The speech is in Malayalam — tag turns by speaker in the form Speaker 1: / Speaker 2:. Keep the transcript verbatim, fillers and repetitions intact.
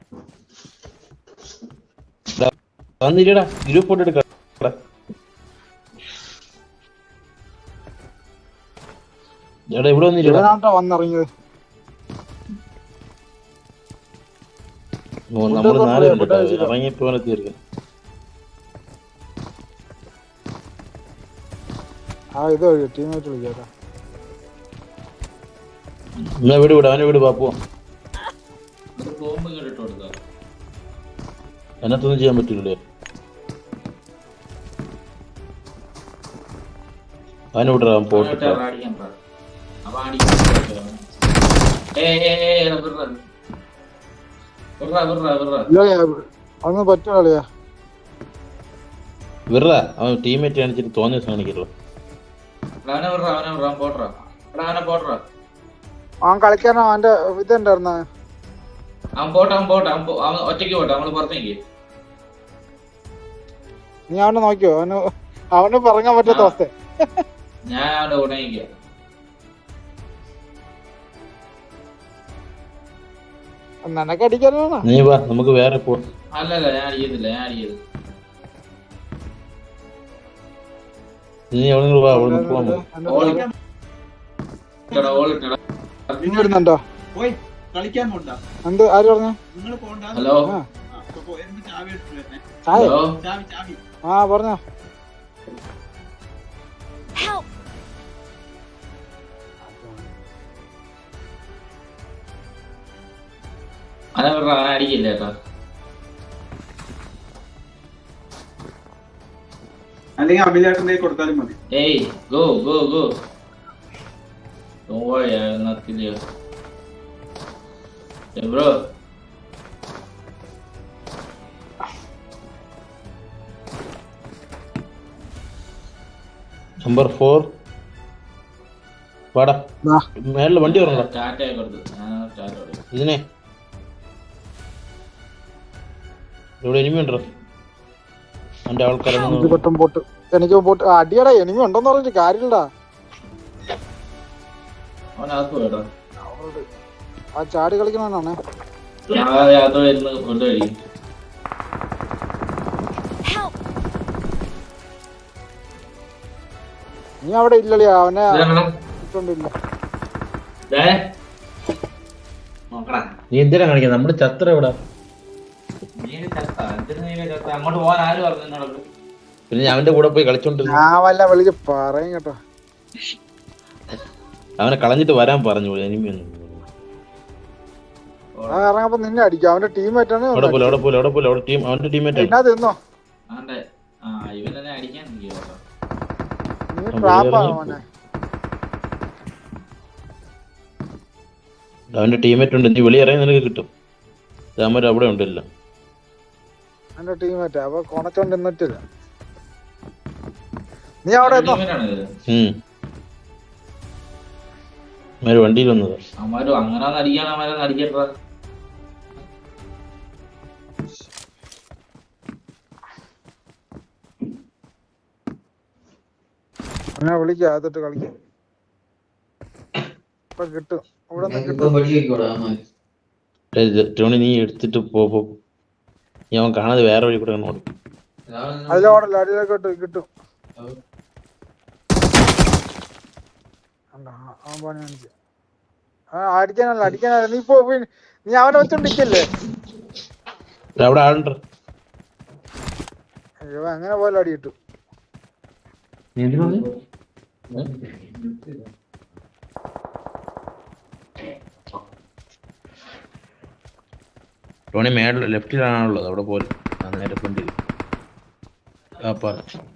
Speaker 1: വന്നില്ലടാ ഗ്രൂപ്പ് ഫോട്ടോ എടുക്കാം. എടാ ഇവിടെ വന്നില്ലടാ.
Speaker 2: വന്നിറങ്ങിയത്
Speaker 1: നമ്മള് നാല് കണ്ടിട്ടോ ഇറങ്ങിയപ്പോ തീർക്കാം.
Speaker 2: ആ ഇത് ടീമായിട്ട് വിളിക്കാം.
Speaker 1: എന്നാ വീട് വിട്, അവനെ വീട് പാപ്പോ. അതിനകത്തൊന്നും ചെയ്യാൻ പറ്റൂലേ? അവനെ വിടാൻ പോട്ടെ.
Speaker 2: അതൊന്നും പറ്റൂല.
Speaker 1: വിറ അവൻ ടീമേറ്റ് കാണിച്ചിട്ട് തോന്നിയ കാണിക്കല്ലോ.
Speaker 2: അവൻ കളിക്കാനോ അവന്റെ ഇതുണ്ടായിരുന്ന നീ അവനെ നോക്കിയോ? അവന് അവന് പറഞ്ഞാൻ പറ്റാത്ത അവസ്ഥ.
Speaker 3: ഞാൻ അവന്റെ കൂടെ
Speaker 2: നിനക്ക് അടിക്കാനാണ്.
Speaker 1: നീ വാ നമുക്ക് വേറെ പോ.
Speaker 3: അല്ലല്ല ഞാൻ അടിക്കത്തില്ല, ഞാൻ അടിക്കത്തില്ല.
Speaker 1: നീ എവിടെ വാ, അവിടെ പോവാൻ
Speaker 2: വരുന്നുണ്ടോ? എന്ത് ആര് പറഞ്ഞു?
Speaker 3: ഹലോ
Speaker 2: ആ പറഞ്ഞോ.
Speaker 3: അതെ അവൻ അടിക്കില്ല കേട്ടോ.
Speaker 4: അല്ലെങ്കിൽ അഭിലാഷിന്റെ കൊടുത്താലും മതി.
Speaker 3: Hey go go go. Don't worry, I will not kill you. Hey bro.
Speaker 1: Number four വാടാ. മേളില് വണ്ടി പറഞ്ഞോ.
Speaker 3: ടാറ്റ കൊടുത്തു. ഞാൻ ടാറ്റ കൊടുത്തു.
Speaker 1: ഇതിനെ ഇവിടെ എനിമി ഉണ്ടോ? എന്റെ ആൾക്കാരൊന്നും
Speaker 2: പോട്ട് എനിക്ക് പോട്ട് അടിയടാ. എനിമി ഉണ്ടോന്ന് പറഞ്ഞിട്ട് കാര്യമില്ലടാ. ആ ചാടി കളിക്കണാണ്. നീ അവിടെ ഇല്ലല്ലേ? അവനെ
Speaker 1: നീ എന്തിനാ കാണിക്കുന്നത്? നമ്മുടെ ചത്ര എവിടെ?
Speaker 3: അങ്ങോട്ട് പോകാൻ ആര് പറഞ്ഞു?
Speaker 1: പിന്നെ ഞാൻ അവന്റെ കൂടെ പോയി കളിച്ചോണ്ടിരുന്നു.
Speaker 2: ഞാൻ വല്ല വിളിച്ച് പറയും കേട്ടോ.
Speaker 1: അവനെ കളഞ്ഞിട്ട് വരാൻ പറഞ്ഞു. എനിമിയൊന്നും
Speaker 2: ഇറങ്ങപ്പോ നിന്നെ അടിക്കും. അവന്റെ ടീമേറ്റാണ്.
Speaker 1: അവിടെ പോലെ അവിടെ പോലെ അവിടെ പോലെ അവിടെ ടീം അവന്റെ ടീമേറ്റ്
Speaker 2: എന്നാ തിന്നോ
Speaker 3: ഇവനെ അടിക്കാൻ
Speaker 2: നീ ട്രാപ്പാണ് മോനെ.
Speaker 1: അവന്റെ ടീമേറ്റ് ഉണ്ട്. നീ വെളി ഇറങ്ങി നിനക്ക് കിട്ടും. രാമര് അവിടെ ഉണ്ടല്ലോ.
Speaker 2: അവന്റെ ടീമേറ്റാ. അപ്പൊ കൊണച്ചോണ്ട് നിന്നിട്ടില്ല. നീ അവിടെ
Speaker 1: വണ്ടിയിൽ വന്നത്.
Speaker 3: അമ്മാര് അങ്ങനെ അടിക്കാൻ അമ്മാരെ അടിക്കട്ടാ.
Speaker 2: അങ്ങനെ വിളിക്കാം. അതിട്ട് കളിക്കാം. ഇപ്പൊ കിട്ടും. ഇവിടെ
Speaker 1: ടോണി നീ എടുത്തിട്ട് പോ. ഞാൻ കാണാതെ വേറെ വഴി കൂടെ ഓടും.
Speaker 2: അതിലോടല്ല അടിയിലേക്കോട്ട് കിട്ടും. അടിക്കാനല്ല അടിക്കാനല്ല. നീ പോ. നീ അവനെ വെച്ചോണ്ടിരിക്കല്ലേ?
Speaker 1: അവിടെ ആളുണ്ട്.
Speaker 2: അയ്യോ അങ്ങനെ പോലെ അടി കിട്ടും.
Speaker 1: ടോണി മേളിൽ ലെഫ്റ്റിലാണുള്ളത്. അവിടെ പോലെ നേരെ ഫ്രണ്ടിൽ.